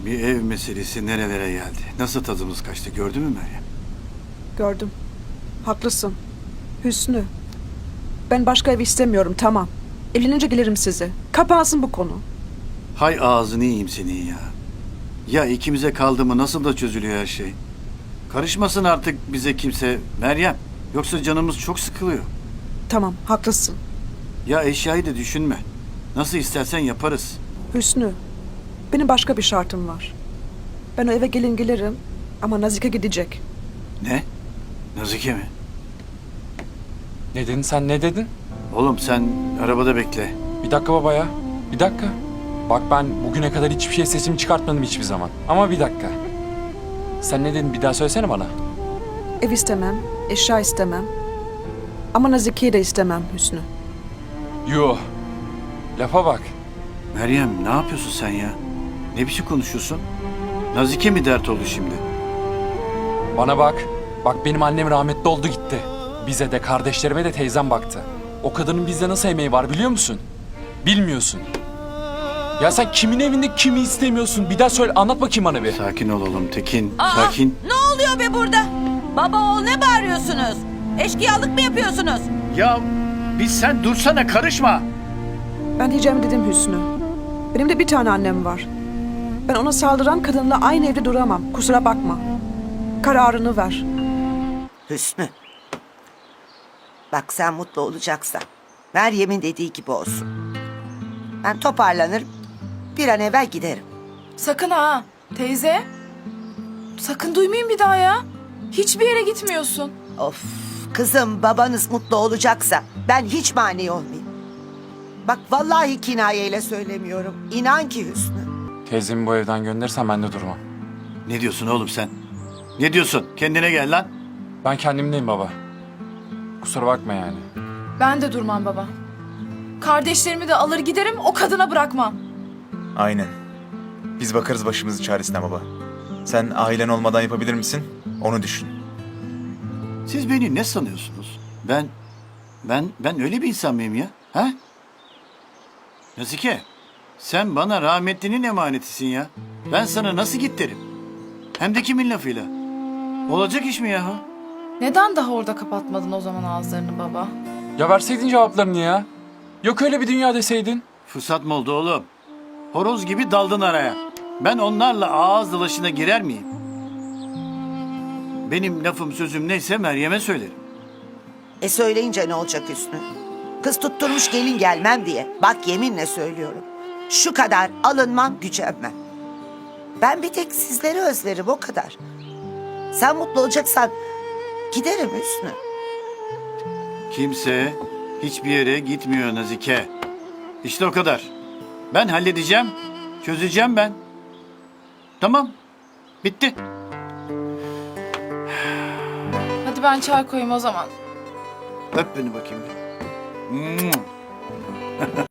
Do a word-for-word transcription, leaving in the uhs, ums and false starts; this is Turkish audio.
Bir ev meselesi nerelere geldi? Nasıl tadımız kaçtı gördün mü Meryem? Gördüm. Haklısın. Hüsnü. Ben başka ev istemiyorum, tamam. Evlenince gelirim size. Kapansın bu konu. Hay ağzını yiyeyim senin ya. Ya ikimize kaldı mı nasıl da çözülüyor her şey. Karışmasın artık bize kimse Meryem. Yoksa canımız çok sıkılıyor. Tamam, haklısın. Ya eşyayı da düşünme. Nasıl istersen yaparız. Hüsnü. Benim başka bir şartım var. Ben o eve gelin gelirim ama Nazike gidecek. Ne? Nazike mi? Ne dedin sen, ne dedin? Oğlum sen arabada bekle. Bir dakika baba ya. Bir dakika. Bak ben bugüne kadar hiçbir şey sesimi çıkartmadım hiçbir zaman. Ama bir dakika. Sen ne dedin bir daha söylesene bana. Ev istemem, eşya istemem. Ama Nazike'yi de istemem Hüsnü. Yuh. Lafa bak. Meryem ne yapıyorsun sen ya? Ne biçim konuşuyorsun? Nazike mi dert oldu şimdi? Bana bak. Bak benim annem rahmetli oldu gitti. Bize de kardeşlerime de teyzem baktı. O kadının bizde nasıl emeği var biliyor musun? Bilmiyorsun. Ya sen kimin evinde kimi istemiyorsun? Bir daha söyle anlat bakayım bana bir. Sakin ol oğlum Tekin. Aa, Sakin. ne oluyor be burada? Baba oğul ne bağırıyorsunuz? Eşkıyalık mı yapıyorsunuz? Ya biz sen dursana karışma. Ben diyeceğimi dedim Hüsnü. Benim de bir tane annem var. Ben ona saldıran kadınla aynı evde duramam. Kusura bakma. Kararını ver. Hüsnü. Bak sen mutlu olacaksan Meryem'in dediği gibi olsun. Ben toparlanırım. Bir an evvel giderim. Sakın ha teyze. Sakın duymayayım bir daha ya. Hiçbir yere gitmiyorsun. Of kızım babanız mutlu olacaksa ben hiç mani olmayayım. Bak vallahi kinayeyle söylemiyorum. İnan ki Hüsnü. Teyzemi bu evden gönderirsen ben de durmam. Ne diyorsun oğlum sen? Ne diyorsun? Kendine gel lan. Ben kendimdeyim baba. Kusura bakma yani. Ben de durmam baba. Kardeşlerimi de alır giderim o kadına bırakmam. Aynen. Biz bakarız başımızın çaresine baba. Sen ailen olmadan yapabilir misin? Onu düşün. Siz beni ne sanıyorsunuz? Ben, ben, ben öyle bir insan mıyım ya? Ha? Nazike, sen bana rahmetlinin emanetisin ya. Ben sana nasıl git derim? Hem de kimin lafıyla? Olacak iş mi ya? Neden daha orada kapatmadın o zaman ağızlarını baba? Ya verseydin cevaplarını ya. Yok öyle bir dünya deseydin. Fırsat mı oldu oğlum? Horoz gibi daldın araya. Ben onlarla ağız dalaşına girer miyim? Benim lafım sözüm neyse Meryem'e söylerim. E söyleyince ne olacak Hüsnü? Kız tutturmuş gelin gelmem diye. Bak yeminle söylüyorum. Şu kadar alınmam gücenmem. Ben bir tek sizleri özlerim o kadar. Sen mutlu olacaksan giderim Hüsnü. Kimse hiçbir yere gitmiyor Nazike. İşte o kadar. Ben halledeceğim, çözeceğim ben. Tamam, bitti. Hadi ben çay koyayım o zaman. Öp beni bakayım. bir.